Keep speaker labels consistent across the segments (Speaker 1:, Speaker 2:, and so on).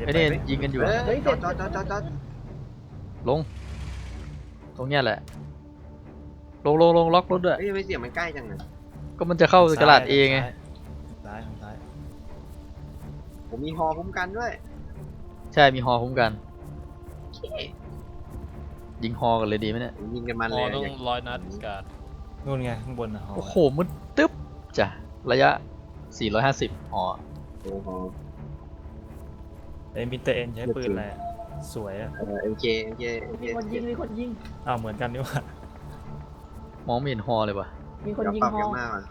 Speaker 1: ไอ้นี่ยิงกันอยู่
Speaker 2: เฮ้ย
Speaker 3: จอด
Speaker 1: ลงตรงเนี้ยแหละลงล็อกรถด้วย
Speaker 3: เฮ้ยไม่เสียงมันใกล้จังเลย
Speaker 1: ก็มันจะเข้ากระดาษเอไง
Speaker 2: ซ้ายทางซ้าย
Speaker 3: ผมมีฮอคุ้มกันด้วย
Speaker 1: ใช่มีฮอคุ้มกัน
Speaker 3: โอเค
Speaker 1: ยิงฮอกันเลยดีไหมเนี่ย
Speaker 3: ผมยิงกันมัน
Speaker 4: พ
Speaker 3: เล
Speaker 4: อย ต้อง100 นัดการ
Speaker 2: นู่นไงข้างบนนะฮอ
Speaker 1: โอ้โหมืดตึ๊บจ้ะระยะ 450ฮอ
Speaker 3: โอ้โห
Speaker 2: เอ็มพิเตอร์เอ็นใช้ปืนอะไรอะสวยอ่ะ
Speaker 3: MK
Speaker 5: มีคนยิงมีคนยิง
Speaker 2: อ้าวเหมือนกันนี่หว่าม
Speaker 1: องไม่เห็นฮอเลยว่ะ
Speaker 5: มีคน
Speaker 3: เดี๋ยว
Speaker 5: ยิง
Speaker 3: ปรับ
Speaker 5: ฮอ
Speaker 3: กันมากอ่ะ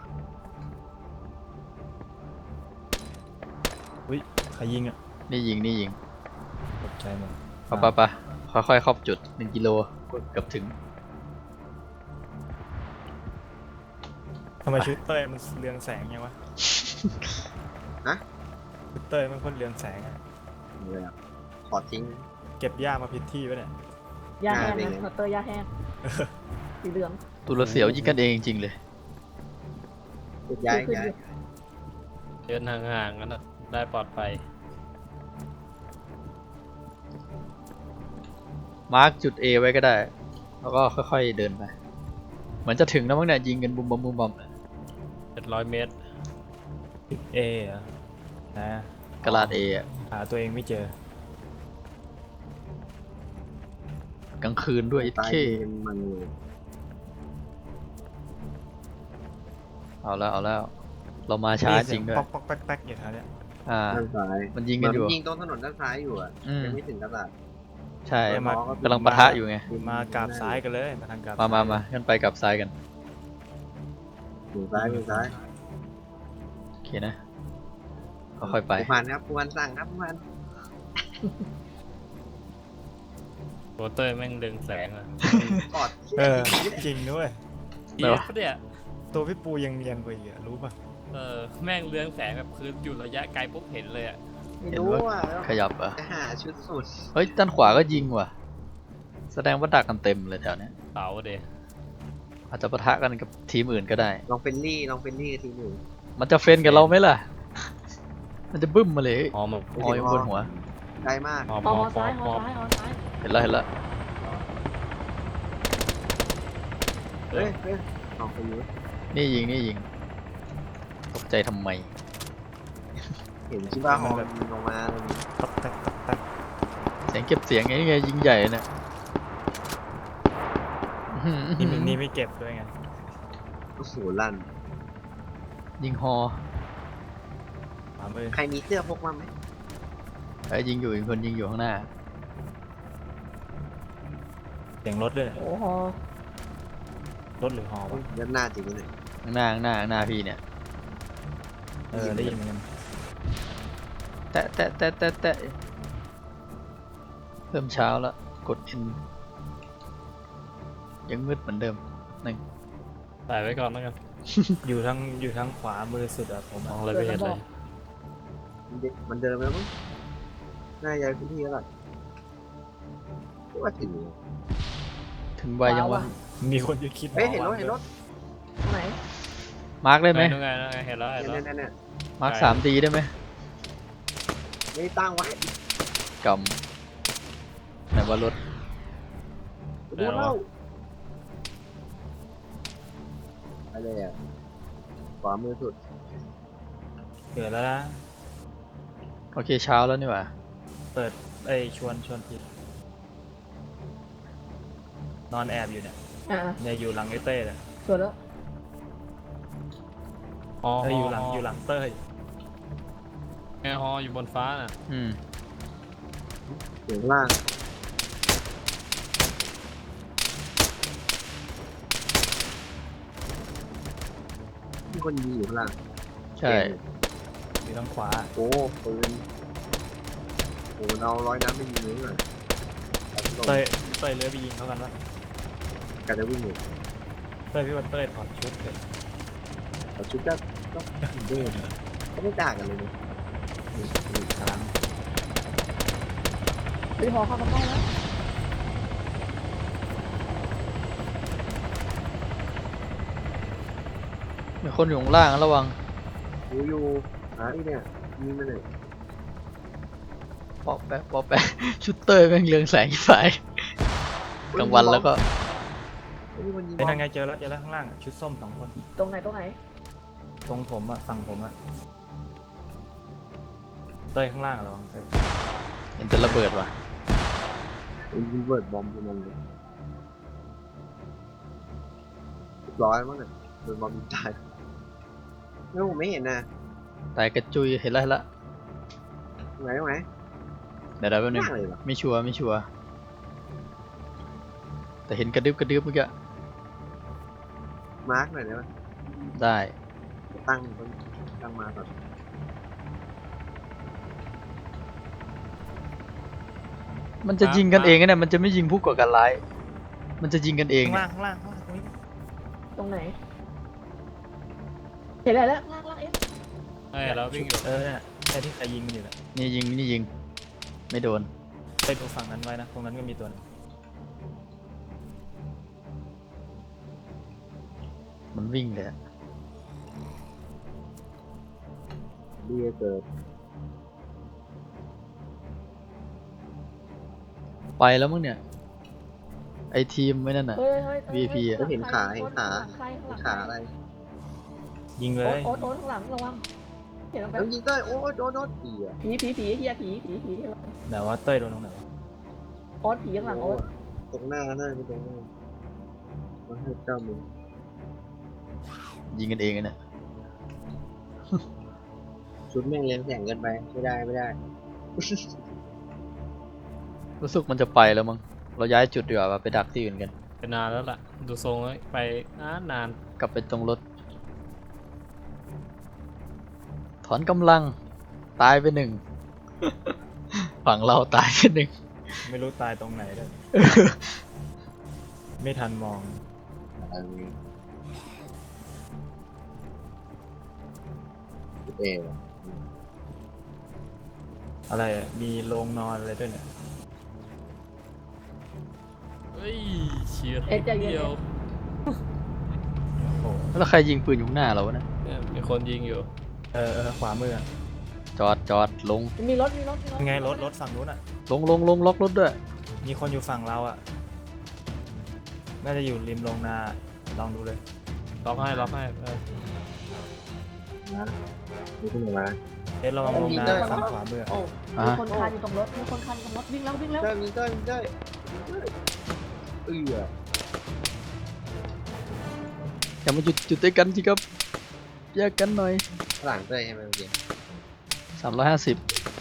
Speaker 2: อุ้ยใครยิงอ่ะ
Speaker 1: นี่ยิง
Speaker 2: ตกใจหมด
Speaker 1: ไปค่อยๆเข้าจุด1 กิโลเกือบถึง
Speaker 2: ทำไมชุดเต้ยมันเรืองแสงยังวะ
Speaker 3: ฮะ
Speaker 2: ชุดเต้ยมันคนเรืองแสงอะ
Speaker 3: เลยอ่ะขอทิ้ง
Speaker 2: เก็บหญ้ามาผิดที่ปะเนี่ย
Speaker 5: ยาแห้ง
Speaker 3: เป็น
Speaker 5: นะ
Speaker 3: ไง
Speaker 5: สเตอร์ยาแห้งสีเหลือง
Speaker 1: ตุลเสียวยิงกันเองจริงๆเลย
Speaker 3: ย้าย
Speaker 5: ขึ้น
Speaker 3: ย้าย
Speaker 4: เดินห่างๆกันนะได้ปลอดภัย
Speaker 1: มาร์กจุด A ไว้ก็ได้ แล้วก็ค่อยๆเดินไปเหมือนจะถึงแล้วมั้งเนี่ยยิงกันบุมบอม
Speaker 4: 700 เมตร
Speaker 2: เอเหรอนะ
Speaker 1: กระดาษ A อะ
Speaker 2: หาตัวเองไม่เจอก
Speaker 1: ลางคืนด้วยอิ
Speaker 3: ตาย
Speaker 1: เค
Speaker 3: มันเลย
Speaker 1: เอาแล้วเรามาช้าจริงด้วย
Speaker 2: ป๊อกแป๊กอยู่แถวเนี้ย
Speaker 3: ด้านซ้าย
Speaker 1: มันยิงกันอยู่
Speaker 3: ยิงตรงถนนด้านซ้ายอยู่อ่ะ
Speaker 1: อืม
Speaker 3: ยังไม่ถึงกระดาษ
Speaker 1: ใช่
Speaker 3: แต่หมอก็
Speaker 1: กำลังปะทะอยู่ไง
Speaker 2: มากราบซ้ายกันเลยมาทางกราบ
Speaker 1: มางั้นไปกับซ้ายกัน
Speaker 3: ถึงซ้ายถึงซ้าย
Speaker 1: โอเคนะค่อยๆไป
Speaker 3: ผู้พันครับผู้พันสั่งครับผู้พัน
Speaker 4: โรเตอร์แม่งดึงแสงอะ
Speaker 3: กอด
Speaker 2: เออจริงด้วย
Speaker 4: เอียบเนี่ย
Speaker 2: ตัวพี่ปูยังเนียนกว่าอีกอะรู้ป่ะ
Speaker 4: แม่งเรืองแสงแบบคืออยู่ระยะไกลปุ๊บเห็นเลยอ่ะ
Speaker 3: ไม่รู้อ่ะ
Speaker 1: ขยับอ่ะ
Speaker 3: จะหาชุดสุด
Speaker 1: เฮ้ยด้านขวาก็ยิงว่ะ แสดงว่าดักกันเต็มเลยแถวเนี้ย
Speaker 4: เสาเด
Speaker 1: อาจจะปะทะกันกับทีมอื่นก็ได้
Speaker 3: ลองเป็นลี่กับทีหนึ่ง
Speaker 1: มันจะเฟนกับเราไหมล่ะ มันจะบึ้มมาเลย
Speaker 4: หอม
Speaker 1: ฮออยู่บนหัว
Speaker 3: ไกลมาก
Speaker 4: หอม
Speaker 5: ฮอ
Speaker 4: หอม
Speaker 5: ซ้าย
Speaker 4: ห
Speaker 5: ฮอ
Speaker 4: อม
Speaker 5: ซ้ายฮอซ้าย
Speaker 1: เห็นแล้ว
Speaker 3: เฮ้ยลองไปดู
Speaker 1: นี่ยิงตกใจทำไม
Speaker 3: เห็นชิบ้าฮอมันลงมาเลย
Speaker 2: ตักแตกตักแตก
Speaker 1: เสียงเก็บเสียงไงยิงใหญ่เนี่ยอื้อหือ
Speaker 2: นี่ไม่เก็บด้วยไง
Speaker 3: โอ้โหลั่น
Speaker 1: ยิงฮอ
Speaker 2: ขวามือ
Speaker 3: ใครมีเสื้อพกมาไหม
Speaker 1: ไอ้ยิงอยู่อีกคนยิงอยู่ข้างหน้า
Speaker 2: เสียงรถด้วย
Speaker 5: โอ้ฮอ
Speaker 2: รถหรือฮอวะ
Speaker 3: ยัดหน้าจริงเลย
Speaker 1: ข้างหน้าพี่เนี่ย
Speaker 2: ได้ยินเหมือนกัน
Speaker 1: แตะเริ่มเช้าแล้วกด N ยังมืดเหมือนเดิม
Speaker 4: ใส่ไว้ก่อนแล้วกัน
Speaker 2: อยู่ทางขวามือสุดอะผม
Speaker 4: ม
Speaker 2: อะ
Speaker 4: องอะไรไม่เห็นเลย
Speaker 3: มันเดินไปแล้วมั้งน่าจะพื้นที่แล้วล่ะว่าถึง
Speaker 1: ถึงใบยังวะ
Speaker 2: มีคนจะคิด
Speaker 3: เฮ้ยเห็นรถ
Speaker 5: ตรงไหน
Speaker 1: มาร์กได้ไหม
Speaker 4: นู่นไงเห็นแล้ว
Speaker 3: เนี่ย
Speaker 1: มาร์ก3D ได้ไหม
Speaker 3: ไม่ตั้งไว้
Speaker 1: กำไหนว่ารถ
Speaker 3: ดูเล่าอะไรอ่ะขวามือสุด
Speaker 2: เกิดแล้วนะ
Speaker 1: โอเคเช้าแล้วนี่หว่า
Speaker 2: เปิดชวนผิดนอนแอบอยู่เนี่ย เนี่ยอยู่หลังไอ้เต้เลย
Speaker 5: สวยแล้ว
Speaker 4: ฮอ
Speaker 2: อยู่หลังเต้ย
Speaker 4: ไงฮออยู่บนฟ้าน่ะ
Speaker 3: อยู่ข้างล่างมีคนยิงอยู่ข้างล่าง
Speaker 1: ใช่
Speaker 2: อยู่ทางขวา
Speaker 3: โอ้ปืนโอ้เอา100 นัดไม่ยิงเลยหน่อย
Speaker 2: เต้ยเลื้อยไปยิงเขากันวะ
Speaker 3: การจะวิ่งอยู่
Speaker 2: เต้ยพี่ว่าเต้ยถอดชุดเลย
Speaker 3: แต่ชุดก็เดินก็ไม่ต่างกันเลยนะ
Speaker 2: ทาง
Speaker 5: เฮ้ยฮอเข้ากระป้องแล้ว
Speaker 1: มีคนอยู่ข้างล่างระวัง
Speaker 3: อยู่หาที่เนี่ยยิงมาเลย
Speaker 1: ปอกแปะปอกแปะ ชุดเต้ยแม่งเรืองแสงไฟกลางวันแล้วก็
Speaker 3: มีคนยิง
Speaker 2: เป็นยังไงเจอแล้วข้างล่างอะชุดส้มสองคน
Speaker 5: ตรงไหนตรงไหน
Speaker 2: ตรงผมอะฝั่งผมอะเต้ยข้างล่างเหรอเต้ย
Speaker 1: เห็นแต่ระเบิดว่ะ
Speaker 3: ยิงเบิร์ดบอมพวกมันเลยร้อยมั้งเนี่ยโดนบอมยิงตายไม่ผมไม่เห็นนะ
Speaker 1: ตายกระจุยเห็นแล้วเห็นแล้ว
Speaker 3: ตรงไหนตรงไหน
Speaker 1: เดี๋ยวแป๊บนึง
Speaker 3: มากเลยเหรอ
Speaker 1: ไม่ชัวร์ไม่ชัวร์แต่เห็นกระดึบกระดึบเมื่อกี้
Speaker 3: มาร์กหน่อยได้ไหม
Speaker 1: ได้
Speaker 3: ตั้งมาก่อน
Speaker 1: มันจะยิงกันเองนะเนี่ยมันจะไม่ยิงผู้ก่อการร้ายมันจะยิงกันเอง
Speaker 2: ข้าง
Speaker 1: เนี่
Speaker 2: ล่าย งข้างล่างข้างล่างตรงนี้
Speaker 5: ตรงไหนเห็นอะไรแล้วล่างล่างเอ๊ะ
Speaker 4: ใช่เราวิ่งอยู่
Speaker 2: เนี่ยใช่ที่ใครยิงมันอยู่แหละ
Speaker 1: นี่ยิงนี่ยิงไม่โดน
Speaker 2: ไปดูฝั่งนั้นไว้นะตรงนั้นก็มีตัวหนึง
Speaker 1: มันวิ่งเลยอะ
Speaker 3: ดีเกิด
Speaker 1: ไปแล้วมั้งเนี่ยไอทีมไม่นั่นน่ะ
Speaker 5: เฮ้ยเฮ้ย
Speaker 1: VIP อะ
Speaker 3: แล้วเห็นขาเห็นขา
Speaker 5: ใครข้างหลัง
Speaker 3: ขาอะไร
Speaker 2: ยิงเล
Speaker 5: โอ๊
Speaker 2: ย
Speaker 5: ตข้างหลังระวังเห็นแล้ว
Speaker 3: แล้วยิงได้โอ้ยโดนผีอ่ะ
Speaker 5: ผีเฮียผี
Speaker 2: แต่ว่าเต้ยโดนตรงไหนวะ
Speaker 5: โอ๊ตผีข้างหลังโอ๊ต
Speaker 3: ตรงหน้าน่าจะตรงหน้ามันให้เจ้ามึง
Speaker 1: ยิงกันเองอะเนี่ย
Speaker 3: ชุดแม่งเลี้ยงแข่งกันไปไม่ได้
Speaker 1: รู้สึกมันจะไปแล้วมั้งเราย้ายจุดดีกว่าไปดักที่อื่นกัน
Speaker 4: เป็นนานแล้วล่ะ ดูทรงแล้วไปนาน
Speaker 1: กลับไปตรงรถ ถอนกำลังตายไปหนึ่ง ฝั่งเราตายไปหนึ่ง
Speaker 2: ไม่รู้ตายตรงไหนเลยไม่ทันมอง
Speaker 3: อันนี้เอ๋
Speaker 2: อะไรอะมีโรงนอนอะไรด้วยเนี่ย
Speaker 4: เฮ้ยเฉียด
Speaker 5: เอ๊ะใจเย็น
Speaker 4: เดียว
Speaker 2: โอ้โห
Speaker 1: แล้วใครยิงปืนอยู่ข้างหน้าเราวะเนะ
Speaker 4: เนี่ยมีคนยิงอยู่
Speaker 2: ขวามืออะ
Speaker 1: จอดลง
Speaker 5: มีรถ
Speaker 2: ยังไงรถฝั่งนู้นอะ
Speaker 1: ลงล็อกรถด้วย
Speaker 2: มีคนอยู่ฝั่งเราอะน่าจะอยู่ริมโรงนาลองดูเลย
Speaker 4: ล็อกให้
Speaker 3: นี่ขึ้นมา
Speaker 2: เอ๊ะระวังโรงนาฝั่งขวามืออะ
Speaker 3: โอ้
Speaker 5: มีคนคานอยู่ตรงรถวิ่งแล้ว
Speaker 3: ยิงได้
Speaker 1: อย่ามาจุดด้วยกันสิครับแยกกันหน่อย
Speaker 3: หลังเต้ยใช่ไหมเมื่อกี้
Speaker 1: 350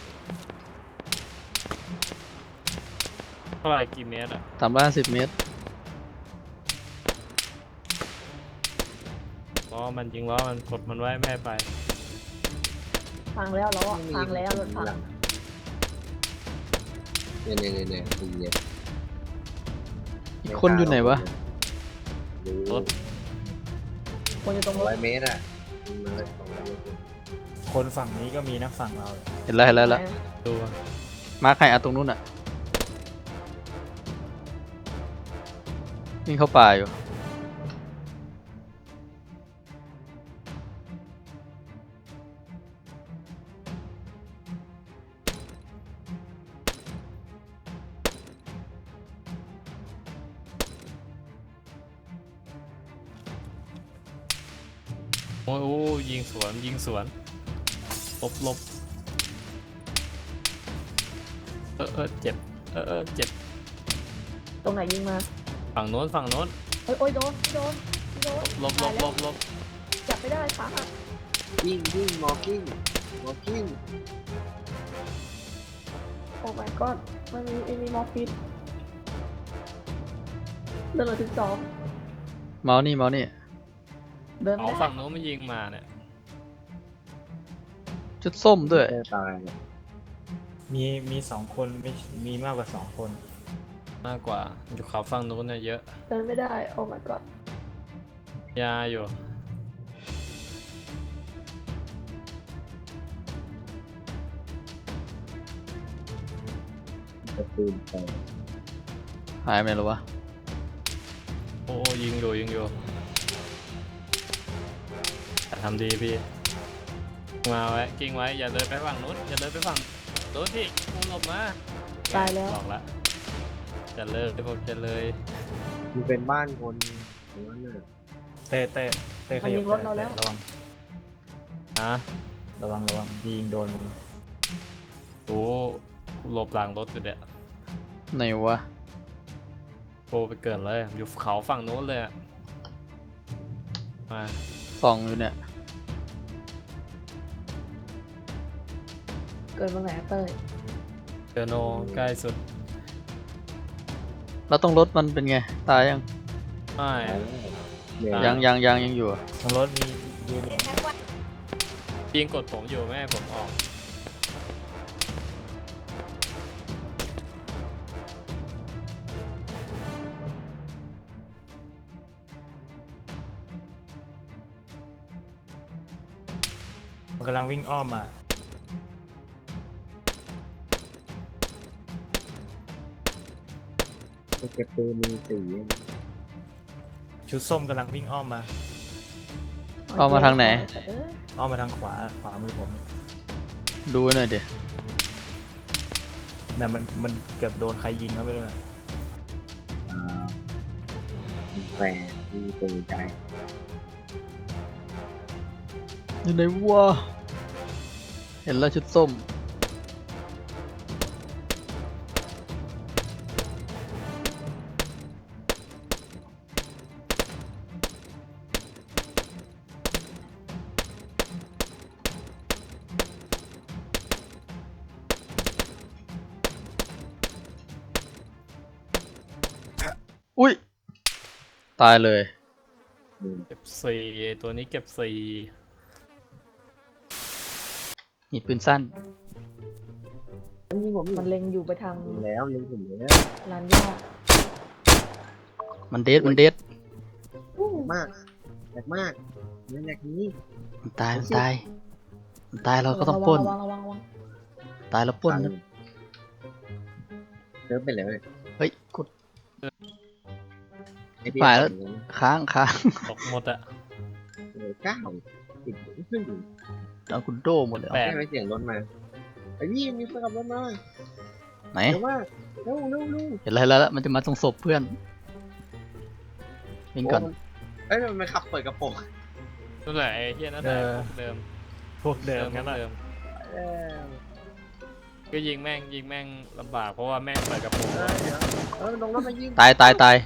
Speaker 4: เท่าไหร่กี่เมตรอ่ะ
Speaker 1: 350 เมตร
Speaker 4: ล้อมันยิงล้อมันกดมันไว้ไม่ให้ไป
Speaker 5: พังแล้วรถพัง
Speaker 3: เนี่ยตีเย็น
Speaker 1: อีกคนอยู่ไหนวะ
Speaker 4: รถ
Speaker 5: คนอยู่ตรงรถ
Speaker 3: 100 เมตรอ่ะมันเลย200 เมตร
Speaker 2: คนฝั่งนี้ก็มีนะฝั่งเรา
Speaker 1: เห็นแล้ว
Speaker 4: ดู
Speaker 1: มาร์คให้ตรงนู้นอ่ะวิ่งเข้าป่าอยู่
Speaker 4: โอ้ยยิงสวนลบเจ็บเจ็บ
Speaker 5: ตรงไหนยิงมา
Speaker 4: ฝั่งโน้น
Speaker 5: โอ้ยโดน
Speaker 4: ลบ
Speaker 5: จับไม่ได้ขาหัก
Speaker 3: ยิงมอร์กิ้ง
Speaker 5: โอ้ my god มันมีมอร์ฟินเดินเลยถึง2
Speaker 1: เมาส์นี่
Speaker 5: เดิน
Speaker 4: เอา
Speaker 5: ไม่ได้
Speaker 4: ฝั่งโน้นมายิงมาเนี่ย
Speaker 1: ชุดส้มด้วย
Speaker 3: ตายเนี่ย
Speaker 2: มีสองคนไม่มีมากกว่าสองคน
Speaker 4: มากกว่าอยู่เขาฝั่งโน้นเนี่ยเยอะ
Speaker 5: เดินไม่ได้ โอ้ my god
Speaker 4: ยาอยู่
Speaker 3: จะปืนไป
Speaker 1: หายไปไหนแล้ววะ
Speaker 4: โอ้ยิงอยู่ทำดีพี่มาไว้กิ้งไว้อย่าเดินไปฝั่งนู้นอย่าเดินไปฝั่งโดนพี่กูหลบมา
Speaker 5: ตายแล้ว
Speaker 4: บอกละจะเลิกผมจะเลย
Speaker 3: มันเป็นบ้านคนหรือว่าเนี่ย
Speaker 2: เต้ข
Speaker 5: มัน
Speaker 2: ยั
Speaker 5: ยิ
Speaker 2: บ
Speaker 5: งรถเราแล้ว
Speaker 2: ระวัง
Speaker 4: ฮะ
Speaker 2: ระวังยิงโดนมึง
Speaker 4: โอ้หลบหลังรถอยู่เนี่ย
Speaker 1: ไหนวะ
Speaker 4: โปไปเกิดเลยอยู่เขาฝั่งโน้นเลยอะมา
Speaker 1: ส่องอยู่เนี่ย
Speaker 5: เกิดมาไหนอะเต้ย
Speaker 4: เจอโนใกล้สุด
Speaker 1: แล้วต้องรถมันเป็นไง ตายยัง
Speaker 4: ไม่
Speaker 3: เนี่ย
Speaker 4: อ่ะ
Speaker 1: ยังอยู่อะ
Speaker 2: ทางรถมียืนอยู่
Speaker 4: ยิงกดผมอยู่แม่ให้ผมออก
Speaker 2: มันกำลังวิ่งอ้อมมา
Speaker 3: เก็บปืนมีสี
Speaker 2: ชุดส้มกำลังวิ่งอ้อมมา
Speaker 1: เอามาทางไหน
Speaker 5: เอ้ย
Speaker 2: อ้อมมาทางขวามือผม
Speaker 1: ดูหน่อยดิ
Speaker 2: น่ะมันเกือบโดนใครยิงเขาไปเลย
Speaker 3: แฝงมีปืนใจ
Speaker 1: อยู่ไหนวะเห็นแล้วชุดส้ม อุ้ย ตายเลย
Speaker 4: เก็บสี่ตัวนี้เก็บสี่
Speaker 1: มีปืนสั้น
Speaker 3: นี่ผม
Speaker 5: มันเล็งอยู่ไปทาง
Speaker 3: แล้วยิงผมแล้ว
Speaker 5: ลานหญ้า
Speaker 1: มันเดดมันเดด
Speaker 5: อู้
Speaker 3: มากแรงมากนี่แรงนี้
Speaker 1: มันตายเราก็ต้องปล้น
Speaker 5: ระวัง
Speaker 1: ตายแล้วปล้นนะ
Speaker 3: เดินไปเลย
Speaker 1: เฮ้ยกด
Speaker 3: ไอ้พี่
Speaker 1: ไปแล้ว ค้าง
Speaker 4: ตกหมดอะ
Speaker 3: เก้าติดขึ้น
Speaker 1: เอาคุณโดหมดเลย
Speaker 4: แป
Speaker 1: เอา
Speaker 4: ด
Speaker 3: ไม่เสียงรถมาไอ้พี่มีเพื่อนขับรถมา
Speaker 1: ไหน
Speaker 3: เร็วมากเร็ว
Speaker 1: เห็นอะไรแล้วมันจะมาตรงศพเพื่อนวิ่งก่อน
Speaker 3: เอ้ยมันขับเปิดกระโปรง
Speaker 4: นั่นแหละไอ้เหี้ยนั่นแหละเดิม
Speaker 2: พวกเดิมงั้นแหละ
Speaker 4: เดิมก็ยิงแม่งลำบากเพราะว่าแม่งเปิดกระโปรงไว้
Speaker 3: เดี๋ยวลงรถมายิง
Speaker 1: ตาย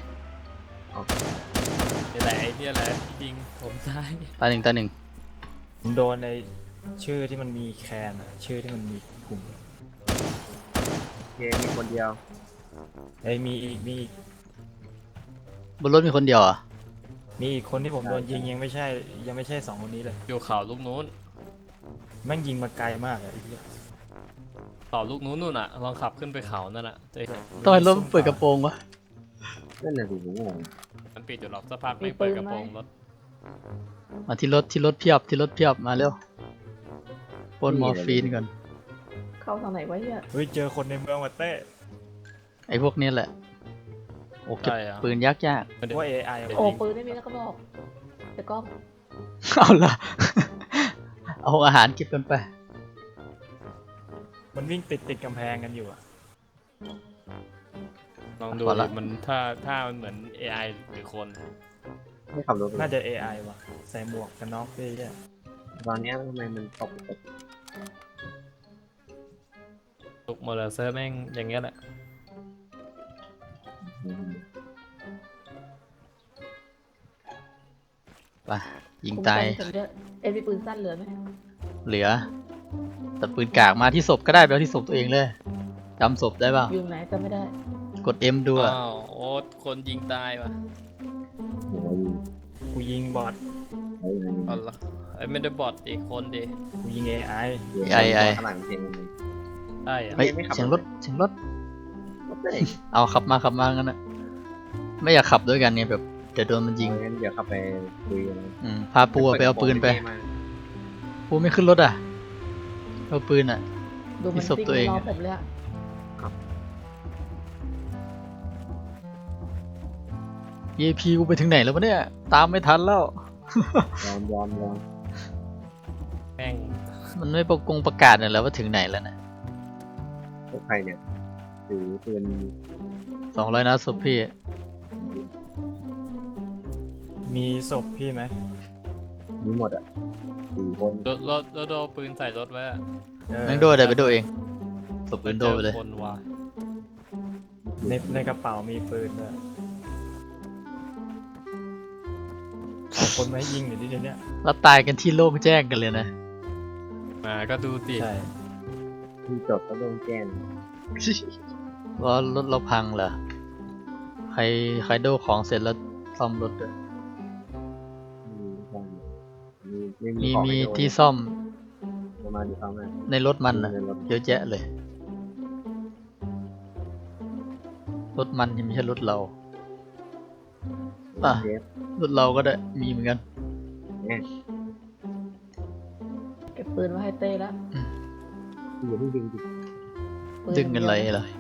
Speaker 4: นี่แหละไอ้เนี่ยแหละยิงผมตาย
Speaker 1: ตายหนึ่ง
Speaker 2: ผมโดนในชื่อที่มันมีแคนอะชื่อที่มันมีกลุ่ม
Speaker 3: เกมมีคนเดียว
Speaker 2: มีอีก
Speaker 1: บนรถมีคนเดียวเหรอ่ะ
Speaker 2: มีอีกคนที่ผมโดนยิงยังไม่ใช่สองคนนี้เลย
Speaker 4: อยู่เขาลูกนู้น
Speaker 2: แม่งยิงมาไกลมากอะไอ้เหี้ย
Speaker 4: เขาลูกนู้นนู่นอะลองขับขึ้นไปเขานั่นอะจะเห็น
Speaker 1: ต้องให้รถมันเปิดกระโปรงวะ
Speaker 3: นั่นน่ะสิผมงง
Speaker 4: มันปิดอยู่หรอกสักพักไม่งเปิดกระโปรงรถ
Speaker 1: มาที่รถเพียบมาเร็วปล้นมอร์ฟีนก่อน
Speaker 5: เข้าทางไหนวะเฮีย
Speaker 2: เฮ้ยเจอคนในเมืองว่ะเต้
Speaker 1: ไอ้พวกนี้แหละโอ้เก็บ
Speaker 4: ใช่อะ
Speaker 1: ปืนยาก
Speaker 2: ว่า AI อะ
Speaker 5: โอ้ปืนไม่มีแล้วก็บอกแต่ก็
Speaker 1: เอาละเอาอาหารเก็บกันไป
Speaker 2: มันวิ่งติดกำแพงกันอยู่อะ
Speaker 4: ลองดู
Speaker 1: พอละ
Speaker 4: ดิมันถ้ามันเหมือน AI หรือคน
Speaker 3: ไม่ขับรถ
Speaker 2: น่าจะ AI ว่ะใส่หมวกกันน็อกด้วยเนี่ย
Speaker 3: ตอนนี้ทำไมมันตก
Speaker 4: ตุกมอเตอร์ไซค์แม่งอย่างเงี้ยแหละ
Speaker 1: ไปยิง
Speaker 5: คุ้ม
Speaker 1: ตาย
Speaker 5: กันผมด้วยมีปืนสั้นเหลือไหม
Speaker 1: เหลือ แต่ปืนกากมาที่ศพก็ได้ไปเอาที่ศพตัวเองเลยจำศพได้เปล่า
Speaker 5: อยู่ไหนจำไม่ได้
Speaker 1: กด M ดูอะ
Speaker 4: อ้าวโอ๊ตคนยิงตายว่ะ
Speaker 2: กูยิงบอท
Speaker 4: เอาละไอ้ไม่ได้บอทอีกคนดิ
Speaker 2: กูยิง AI
Speaker 3: ข้างหลังเพลง
Speaker 4: ใช่อะ
Speaker 1: เฮ้ย
Speaker 3: ไม่ขับ
Speaker 1: เสียงรถเอาขับมางั้นนะไม่อยากขับด้วยกันไงแบบเดี๋ยวโดนมันยิง
Speaker 3: งั้นเดี๋ยวขับไปคุยกัน
Speaker 1: พาปูไปเอาปืนไปปูไม่ขึ้นรถอ่ะเอาปืนอ่ะ
Speaker 5: ดูมัน
Speaker 1: ที่ศพ
Speaker 5: ซิ่ง
Speaker 1: ตัวเอง
Speaker 5: รอ
Speaker 1: อะ
Speaker 5: ผมเลยอะ
Speaker 1: EP กูไปถึงไหนแล้ววะเนี่ยตามไม่ทันแล้ว
Speaker 3: ยอม
Speaker 4: แม่ง
Speaker 1: มันไม่ประกาศเนี่ยแล้วว่าถึงไหนแล้วนะ
Speaker 3: พวกใครเนี่ยถือปืน
Speaker 1: 200 นัดศพพี่
Speaker 2: มีศพพี่ไหม
Speaker 3: มีหมดอ่ะ4 คน
Speaker 4: รถโดนปืนใส่รถไว้อะ
Speaker 1: แม่งโดนเดี๋ยวไปโดนเองศพปืนโดนไปเลย
Speaker 4: คนว่ะ
Speaker 2: ในกระเป๋ามีปืนด้วยเอาคนมาให้ยิงหน่อยดิเดี๋ยวนี้
Speaker 1: แล้วตายกันที่โล่งแจ้งกันเลยนะ
Speaker 4: มาก็ดูติ
Speaker 2: ใช่
Speaker 3: ที่จบก็ต้องแจ้ง
Speaker 1: ว่ารถเราพังเหรอใครโดนของเสร็จแล้วซ่อมรถด้วย
Speaker 3: ไม่มี
Speaker 1: มี
Speaker 3: ของ
Speaker 1: มี
Speaker 3: ให้โดน
Speaker 1: ที่ซ่อม
Speaker 3: ประมาณนี้เขามา
Speaker 1: ในรถมันนะ
Speaker 3: ในรถ
Speaker 1: เยอะแยะเลย รถมันยังไม่ใช่รถเรา อ่ะ
Speaker 3: เซฟ
Speaker 1: รถเราก็ได้มีเหมือนกัน
Speaker 3: เนี่ย
Speaker 5: เก็บปืนไว้ให้เต้แล้ว
Speaker 3: อยู่ที่ดึงดิ
Speaker 5: ปืน
Speaker 1: ดึงกันไร
Speaker 5: เดียว
Speaker 1: เลย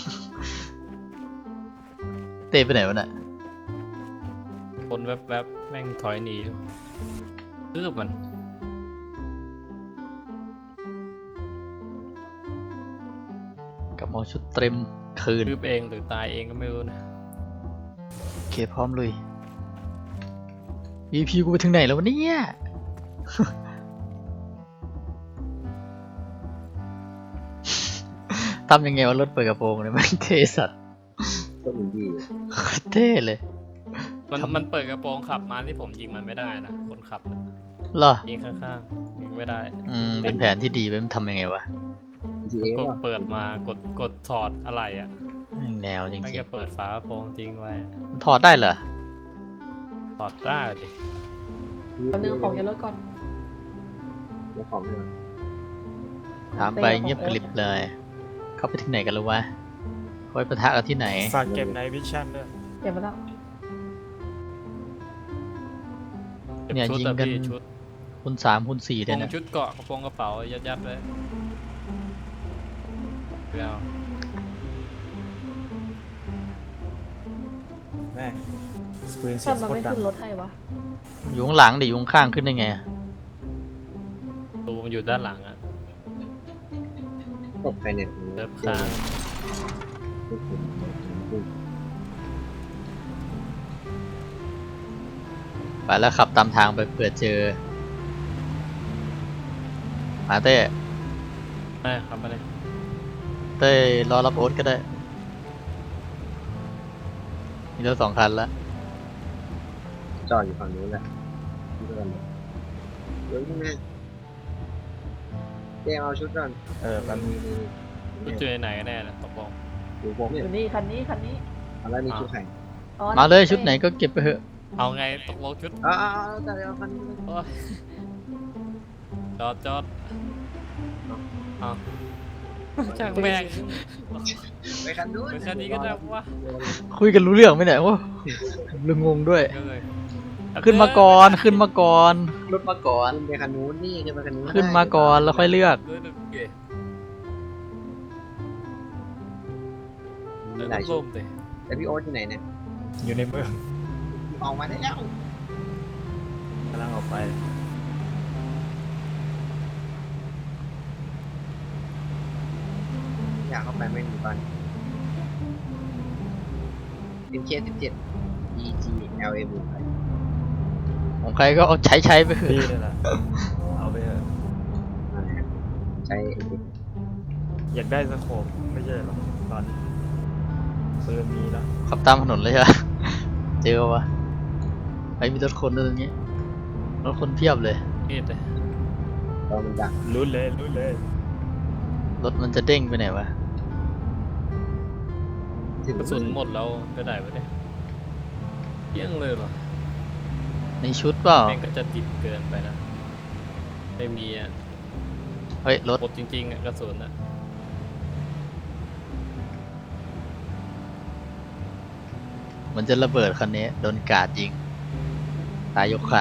Speaker 1: เตะไปไหนวะน่ะ
Speaker 4: คนแวบๆแม่งถอยหนีรืบมัน
Speaker 1: กลับมาชุดเต็มคืน
Speaker 4: รืบเองหรือตายเองก็ไม่รู้นะ
Speaker 1: โอเคพร้อมลุย VP กูไปถึงไหนแล้ววะเนี่ย ทำยังไงวะรถเปิดกระโปรงเนี่ยมันเท่สัตว์
Speaker 3: ก็อินดี้
Speaker 1: โคตรเท่เลย
Speaker 4: มันเปิดกระโปรงขับมาที่ผมยิงมันไม่ได้นะคนขับน่ะ
Speaker 1: เหรอ
Speaker 4: ยิงข้างๆยิงไม่ได้
Speaker 1: เป็นแผนที่ดีไปมันทำยังไงวะ
Speaker 3: GTA
Speaker 4: กด
Speaker 3: ป่ะ
Speaker 4: เปิดมากดถอดอะไรอ่ะ
Speaker 1: แม่งแนวจริง
Speaker 4: ไม่
Speaker 1: ๆ
Speaker 4: จะเปิดฝากระโปรงทิ้งไว้
Speaker 1: มันถอดได้เหรอ
Speaker 4: ถอดได้ดิ
Speaker 5: เอาเรื่องของอย่ารถก่อน
Speaker 3: เจ้าของเนี่ย
Speaker 1: ถามไปเงียบกริบเลย เข้าไปที่ไหนกันแล้ววะคอยปะทะกันที่ไหน
Speaker 2: ฝากเก็บในวิชั่นด้วย
Speaker 5: เก็บมาแล้ว
Speaker 4: เก็บ
Speaker 1: เนี่ย
Speaker 4: ชุด
Speaker 1: ยิง
Speaker 4: อะ
Speaker 1: กัน
Speaker 4: พี่ชุด
Speaker 1: คูณ3คูณ4
Speaker 4: ก
Speaker 1: เลย
Speaker 4: ระ
Speaker 1: นะ
Speaker 4: ชุดเกาะกระโปรงกระเป๋ายัดๆไว้ไม่เอา
Speaker 2: แม่งปืนเสี
Speaker 5: ถ้าย
Speaker 2: ง
Speaker 5: มัน
Speaker 2: โคต
Speaker 5: ไม่
Speaker 2: รดัง
Speaker 5: ขึ้นรถให้วะ
Speaker 1: อยู่ข้างหลังดิอยู่ข้างๆขึ้นได้ไง
Speaker 4: ตูมันอยู่ด้านหลังอ่ะ
Speaker 3: ตกใครเนี่ย
Speaker 4: เลิฟค้าง
Speaker 1: ไปแล้วขับตามทางไปเผื่อเจอมาเต้
Speaker 4: ไม่ครับไม่ได้
Speaker 1: เต้รอรับโอ๊ตก็ได้ มีรถ2 คันแล้ว
Speaker 3: จอดอยู่ฝั่งนู้นแหละที่เดินเลยเดี๋ยวนี่แม่เจ๊เอาชุดก่อน
Speaker 2: มัน
Speaker 4: ชุดเจอไหนกันแน่นะตกลง
Speaker 3: อยู่ผม
Speaker 5: อ
Speaker 3: เนี่ย
Speaker 5: ยู่นี่คันนี้
Speaker 3: เอาแล้วนี่ชุดใคร
Speaker 5: อ๋อ
Speaker 1: มาเลยชุดไหนก็เก็บไปเถอะ
Speaker 4: เอาไงตกลงชุด
Speaker 3: เอาแต่เอาคันนี้
Speaker 4: โอ๊ยจอดเอาช่างแม่ง
Speaker 3: ไปคันนู้น
Speaker 4: เป็นคันนี้ก็ได้วะ
Speaker 1: คุยกันรู้เรื่องไหมเนี่ยวะลืมงงด้วย
Speaker 4: ก็เลย
Speaker 1: ขึ้นมาก่อนขึ้นมาก่อนรถมาก่อน
Speaker 3: ขึ้นไปคันนู้นนี่ขึ้นไปคันนู้น
Speaker 1: ขึ้นมาก่อนแล้วค่อยเลือก
Speaker 4: ด้วยดึกเก๋
Speaker 3: มี
Speaker 4: แล้ว
Speaker 3: หลาย
Speaker 4: ก็
Speaker 3: ชุ
Speaker 4: ล่
Speaker 3: ด
Speaker 4: มเลย
Speaker 3: แต่พี่โอ๊ตอยู่ไหนเนี่ย
Speaker 2: อยู่ในเมือง
Speaker 3: ออกมาได้แล้ว
Speaker 2: กำลังออกไป
Speaker 3: อยากเข้าไปไม่มีบ้านเป็นเค17 EGLM
Speaker 1: ของใครก็เอาใช้ไปเถ
Speaker 2: พี่
Speaker 1: อะ
Speaker 2: นี่แหละเอาไปเถอะ
Speaker 3: ใช้
Speaker 2: อยากได้สโคปไม่ใช่หรอตอนนี้ปืนมีแล้ว
Speaker 1: ขับตามถนนเลยใช่ไหมเจอวะไปมีรถคนด้วยตรงนี้รถคนเพียบเลย
Speaker 4: มีดเลย
Speaker 3: ตอนมันดัก
Speaker 2: ลุ้นเลย
Speaker 1: รถมันจะเด้งไปไหนวะ
Speaker 3: ถึง
Speaker 4: กระสุนหมดแล้วไปไหนวะเนี่ยเยี่ยงเลยเหรอ
Speaker 1: ในชุดเปล่า
Speaker 4: แม่งก็จะดิบเกินไปนะไม่มีอ่ะ
Speaker 1: เฮ้ยรถ
Speaker 4: หมดจริงๆอ่ะกระสุนอ่ะ
Speaker 1: มันจะระเบิดคันนี้โดนกราดยิงตายยกคัน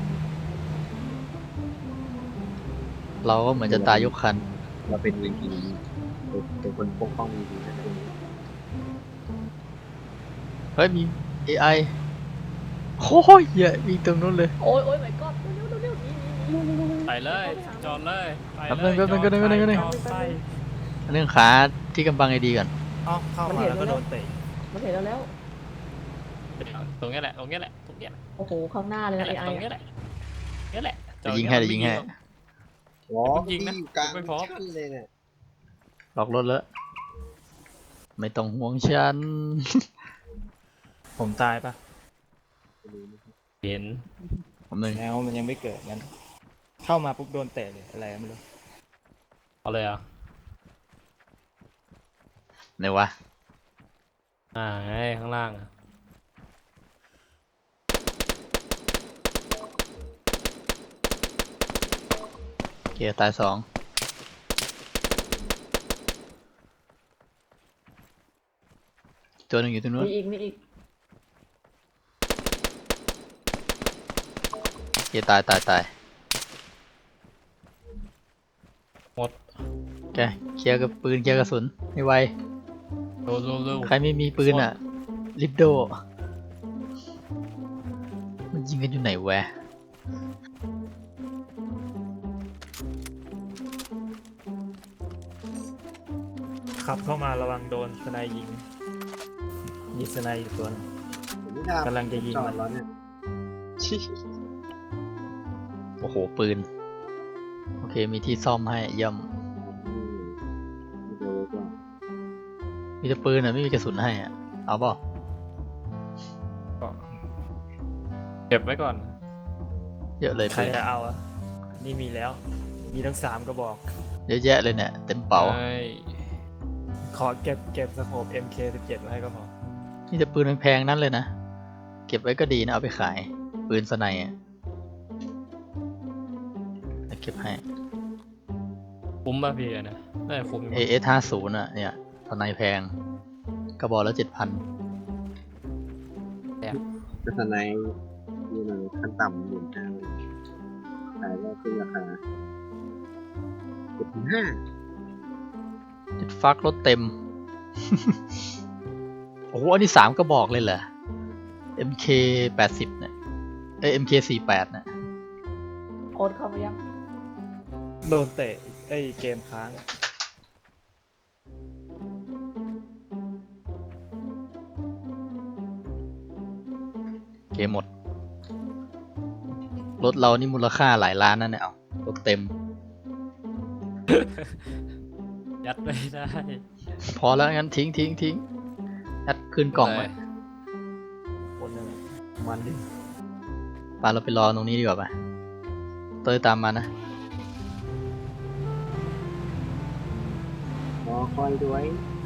Speaker 1: เราก็เหมือนจะตายยกคัน
Speaker 3: เราเป็น VP เป็นคนปกป้อง VP นะ
Speaker 1: เฮ้ยมี AI โอ้ยเหี้ยมีตรงนู้นเลย
Speaker 5: โอ้ยโอ้ย my god เร็วเร็วเร็วนี่
Speaker 4: ไปเลยจอดเลยไป
Speaker 1: แป๊บ
Speaker 4: เล
Speaker 1: นึ
Speaker 4: ย
Speaker 1: งแป๊บนึง
Speaker 4: จอด
Speaker 1: แป๊บนึง
Speaker 4: จอดไป
Speaker 1: อันนึงขาที่กำบังไอดีก่อน
Speaker 2: อ้อเข้ามาแล้วก็โดนเตะ
Speaker 5: มันเห็นเราแล้ว
Speaker 4: ตรงเนี้ยแหละตรงเนี้ยแหละตรงเนี้ยแหละ
Speaker 5: โอ้โห ข้างหน้าเลย
Speaker 4: ตร
Speaker 5: นะ
Speaker 4: ง
Speaker 5: AI
Speaker 4: เนี้ยแหละเนี้ยแหละ
Speaker 1: เดี๋ยวยิงให้เดี๋ยวยิงให้
Speaker 3: ว้า
Speaker 4: ยิงนะ
Speaker 3: อยู่กลาง
Speaker 4: ไม่พร้อม
Speaker 3: ชั้นเลยเนี่ย
Speaker 1: ล็อกรถแล้วไม่ต้องห่วงฉัน
Speaker 2: ผมตายปะ
Speaker 4: เห็น
Speaker 1: ผมหนึ่ง
Speaker 2: แล้วมันยังไม่เกิดงั้นเข้ามาปุ๊บโดนเตะเลยอะไรไม่รู้
Speaker 4: เอาเลยอ่ะ
Speaker 1: ไหนวะ
Speaker 4: ไงข้างล่างอ่ะ
Speaker 1: เกียร์ตาย2ตัวหนึ่งอยู่ตรงนู้น
Speaker 5: มีอีก
Speaker 1: เกียร์ตาย
Speaker 4: หมด
Speaker 1: แกเคลียร์กับปืนเคลียร์กระสุนให้ไว
Speaker 4: เร็ว
Speaker 1: ใครไม่มีปืนอ่ะลิปโดมันยิงกันอยู่ไหนวะ
Speaker 2: ขับเข้ามาระวังโดนสไนยิงมีสไนอยู่ตัวนึง
Speaker 3: ผมไม่ได้
Speaker 2: กำลังจะยิง
Speaker 3: จอ
Speaker 2: มั
Speaker 3: ด
Speaker 2: น
Speaker 3: แล้วเนี่ย
Speaker 1: โอ้โหปืนโอเคมีที่ซ่อมให้เยี่ยม
Speaker 3: เดี๋ยวก่อน
Speaker 1: มีแต่ปืนอ่ะไม่มีกระสุนให้อ่ะเอาเปล่า
Speaker 4: เก็บไว้ก่อน
Speaker 1: เยอะเลย
Speaker 2: ใคร
Speaker 1: ปืน
Speaker 2: จะเอาอ่ะนี่มีแล้ว มีทั้ง3กระบอก
Speaker 1: เยอะแยะเลยเนี่ยเต็มเป๋า
Speaker 4: ใช่
Speaker 2: ขอเก็บสโคป MK17 ไว้ให้ก็พอ
Speaker 1: นี่แต่ปืนแพงๆนั้นเลยนะเก็บไว้ก็ดีนะเอาไปขายปืนสไนอ่ะเก็บให้
Speaker 4: คุ้มป่ะพี่อะนะได้คุ้มอยู่
Speaker 1: AS50อ่ะเนี่ยสไนแพงกระบอกละ 7,000
Speaker 3: จะสไนอยู่ในขั้นต่ำหมื่นห้าขายได้ขึ้นราคา7,500
Speaker 1: จุดฟักรถเต็ม โอ้โหอันนี้3กระบอกเลยเหรอ MK80 เนี่ยMK48 เนี่ย
Speaker 5: โอ๊ตเข้ามายัง
Speaker 2: โดนเตะเกมค้าง
Speaker 1: เกมหมดรถเรานี่มูลค่าหลายล้านนั่นเนี่ยเอารถเต็ม
Speaker 4: ยัดไม่ได้
Speaker 1: พอแล้วงั้นทิ้งยัดคืนกล่องไว้
Speaker 2: คนนึงมันดิ
Speaker 1: ปาเราไปรอตรงนี้ดีกว่าป่ะเตยตามมานะ
Speaker 3: รอคอยด้วย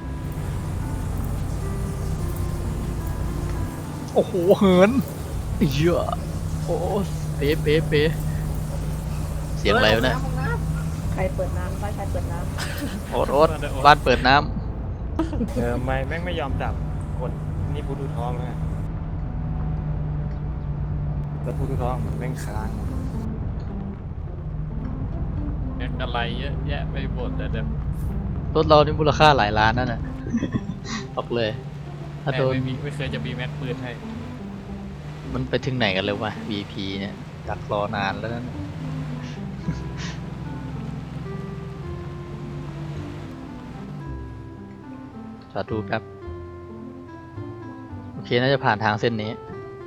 Speaker 1: โอ้โหเหินเยอะโอ้เป๊ะเสียงอะไรวะเนี่ย
Speaker 5: ใครเปิดน้ำใครเปิดน้
Speaker 1: โอ๊ตบ้านเปิดน้
Speaker 2: ไม่แม่งไม่ยอมดับกดนี่พูดูท้องนะแล้วพูดูท้องแม่งค้าง
Speaker 4: แม็กอะไรเยอะแยะไปหมดแต่เดี๋ยว
Speaker 1: ำรถเรานี่มูลค่าหลายล้านนั่นน่ะ บอกเลยถ้าโดน
Speaker 4: ไม่เคยจะมีแม็กปืนให้
Speaker 1: มันไปถึงไหนกันเลยวะ VP เนี่ยดักรอนานแล้วนั่น จอดดูแป๊บโอเคน่าจะผ่านทางเส้นนี้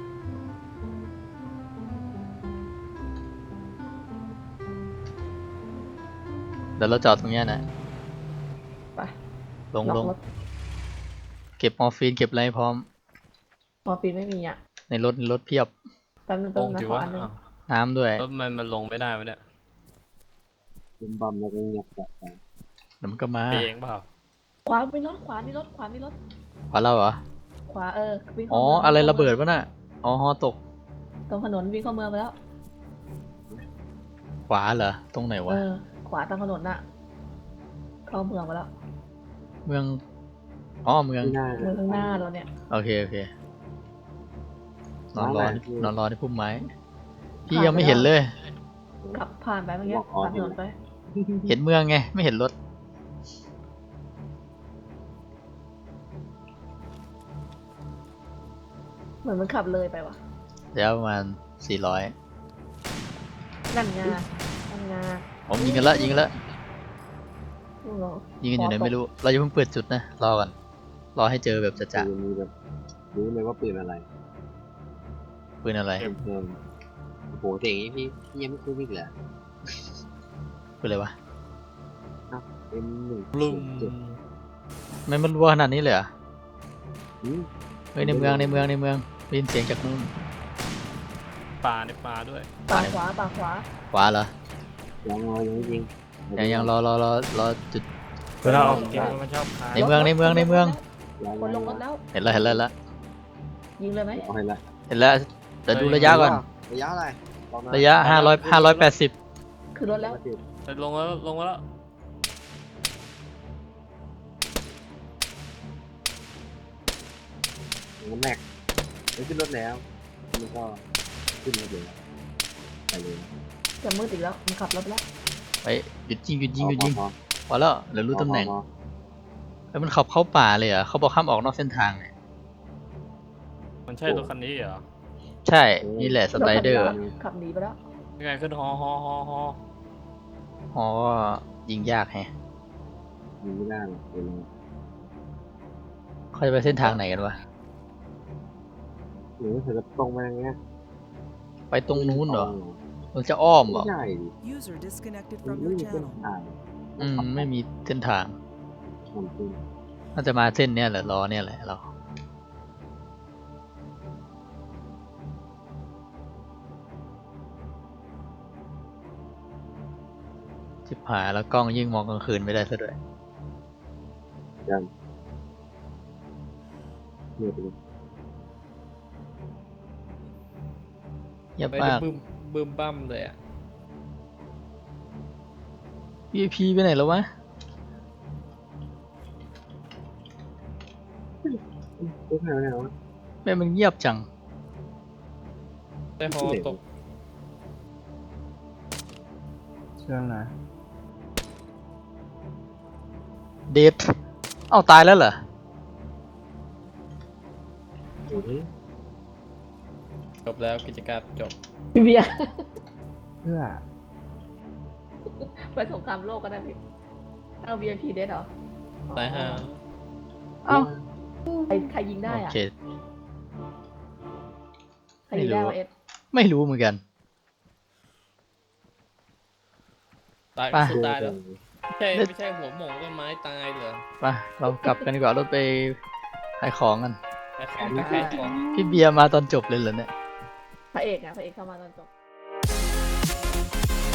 Speaker 1: เดี๋ยวเราจอดตรงเนี้ยนะ
Speaker 5: ำไป
Speaker 1: ลง
Speaker 5: ล็อกรถ
Speaker 1: เก็บมอร์ฟีนเก็บอะไรให้พร้อม
Speaker 5: มอร์ฟีนไม่มีอ่ะ
Speaker 1: ในรถเพียบ
Speaker 5: แป๊บนึง
Speaker 4: ตรง
Speaker 5: นะ
Speaker 4: จิ๋
Speaker 5: ข
Speaker 4: ว
Speaker 5: อ
Speaker 4: วะ
Speaker 5: อันนึง
Speaker 1: น้ำด้วย
Speaker 4: แล้วมันลงไม่ได้วะเนี่ย
Speaker 3: เป็นบอมแล้วก็เงียบแบบไป
Speaker 1: เดี๋ยวมันก็มา
Speaker 4: ไปเองเปล่า
Speaker 5: ขวามีรถขวามีรถ
Speaker 1: ขวาเราเหรอ
Speaker 5: ขวาวิ่ง
Speaker 1: อ๋อ
Speaker 5: เข้าเมืง
Speaker 1: อะไรระเบิดวะน่ะ อ๋อฮอตก
Speaker 5: ตรงถนนวิ่งเข้าเมืองไปแล้ว
Speaker 1: ขวาเหรอ ตรงไหนวะ
Speaker 5: ขวาตรงถนนน่ะ เข้าเมืองไปแล้ว
Speaker 1: เมือง อ๋อ เมือง
Speaker 3: ไม่น่า
Speaker 5: เมืองข้างหน้าเราเนี่ย
Speaker 1: โอเค นอนรอ
Speaker 3: ร้านไหน
Speaker 1: นอนรอที่พุ่มไม้ พี่
Speaker 5: ผ่าน
Speaker 1: ยังไม่
Speaker 5: ไปแล้ว
Speaker 1: เห็นเลย
Speaker 5: ขับผ่านไปเมื่อกี้
Speaker 3: บอกอ๋อ
Speaker 5: ผ่านถนนไป
Speaker 1: เห็นเมืองไง ไม่เห็นรถ
Speaker 5: เหมือนมันขับเลยไปว่ะ
Speaker 1: เดี๋ยวประมาณ 400
Speaker 5: นั่นไง
Speaker 1: ผมยิงกันละ
Speaker 5: เหรอ
Speaker 1: ยิงกันอยู่ไหนไม่รู้ เราจะเพิ่งเปิดจุดนะรอก่อนรอให้เจอแบบจะ
Speaker 3: คือมีแบบรู้เลยว่าปืนอะไร
Speaker 1: ๆปืนอะไร
Speaker 3: เออโอ้โหแต่อย่างนี้พี่ยังไม่คุ้นอีกเหรอ
Speaker 1: ปืนอะไรวะ
Speaker 3: เป็นหนึ่ง
Speaker 4: ลุม
Speaker 3: เจ็ด
Speaker 1: ไม่มันรัวขนาดนี้เลยเหรอ
Speaker 3: อืม
Speaker 1: เฮ้ยในเมืองได้ยินเสียงจากนู้น
Speaker 4: ป่าในป่าด้วย
Speaker 5: ปากขวาปากขวา
Speaker 1: ขวาเหรอ
Speaker 3: ยังรอยังไม่ยิง
Speaker 1: ยังรอจุด
Speaker 2: เวลาออกเกมมันชอบค้าง
Speaker 1: ในเมือง
Speaker 3: ยัง
Speaker 5: คนลงรถแล้ว
Speaker 1: เห็นแล้ว
Speaker 5: ยิงเลยไหม
Speaker 3: เอาให้ละ
Speaker 1: เห็นแล้วแต่ดูระยะก่อน
Speaker 3: ระยะอะไรบอกมา
Speaker 1: ระยะ580
Speaker 5: คือรถแล้ว
Speaker 4: ไปลงแล้วลงมาแล้ว
Speaker 3: มันแม็กไม่ขึ้นรถแล้วมันก็ขึ้นรถเลยไปเลย
Speaker 5: จะมืดอีกแล้วมันขับรถแล้ว
Speaker 1: ไปหยุดยิง
Speaker 3: พอ
Speaker 1: พอแล้วเดี๋ยวรู้ตำแหน่ง
Speaker 3: พอ
Speaker 1: แล้วมันขับเข้าป่าเลยเหรอเขาบอกห้ามออกนอกเส้นทางเนี่ย
Speaker 4: มันใช่รถคันนี้เหรอ
Speaker 1: ใช่นี่แหละสไลเดอร์
Speaker 5: ขับหนีไปแล้ว
Speaker 4: ยังไงขึ้นฮอ
Speaker 1: อ๋อยิงยากแฮะ
Speaker 3: ยิงไม่ได้หรอกเดี๋ยว
Speaker 1: เขาจะไปเส้นทางไหนกันวะ
Speaker 3: หรือเธอจะตรงมาอย่างเงี้ย
Speaker 1: ไปตรงนู้นเหรอมันจะอ้อมเหร
Speaker 3: ไม่
Speaker 1: อ
Speaker 3: ใช่ดิ
Speaker 6: User disconnected
Speaker 3: มัน
Speaker 6: from
Speaker 3: ไม่
Speaker 6: your
Speaker 3: มีเส้น
Speaker 6: channel.
Speaker 3: ทาง
Speaker 1: ไม่มีเส้นทาง
Speaker 3: มันขึ้น
Speaker 1: น่าจะมาเส้นเนี้ยแหละล้อเนี่ยแหละเราชิบหายแล้วกล้องยิ่งมองกลางคืนไม่ได้ซะด้วย
Speaker 3: เงียบไปเลย
Speaker 1: เงียบ
Speaker 4: ไม่ได้
Speaker 1: มาก
Speaker 4: บึ้มบั้มเลยอ่ะ
Speaker 1: VIP ไปไหนแล้ววะ
Speaker 3: เอ๊ะไม่เอา
Speaker 1: แม่มันเงียบจัง
Speaker 4: ได้ฮอตก
Speaker 2: เชื่องนะ
Speaker 1: เดทเอ้าตายแล้วเหรอ
Speaker 3: โอ้ย
Speaker 4: จบแล้วกิจกรรมจบ
Speaker 5: พี่เบียร์
Speaker 2: เพื่อ
Speaker 5: ไปสงครามโลกก็ได้พี่เอา VIP เดทเหรอ
Speaker 4: ตายห่า
Speaker 1: เอ้า
Speaker 5: ใครยิงได้
Speaker 1: โอ
Speaker 5: อะ
Speaker 1: เค
Speaker 5: ใครยิงได้วะเอส
Speaker 1: ไม่รู้เหมือนกัน
Speaker 4: ตาย
Speaker 1: ไป
Speaker 4: สุดตายแล้วไม่ใช่หัวหมองต้นไม้ตายเหรอ
Speaker 1: ไปเรากลับกันดีกว่ารถไปขายของกัน
Speaker 4: ไอ้ของไม่ใช่ของ
Speaker 1: พี่เบียร์มาตอนจบเลยเหรอเนี่ย
Speaker 5: พระเอกเข้ามาตอนจบ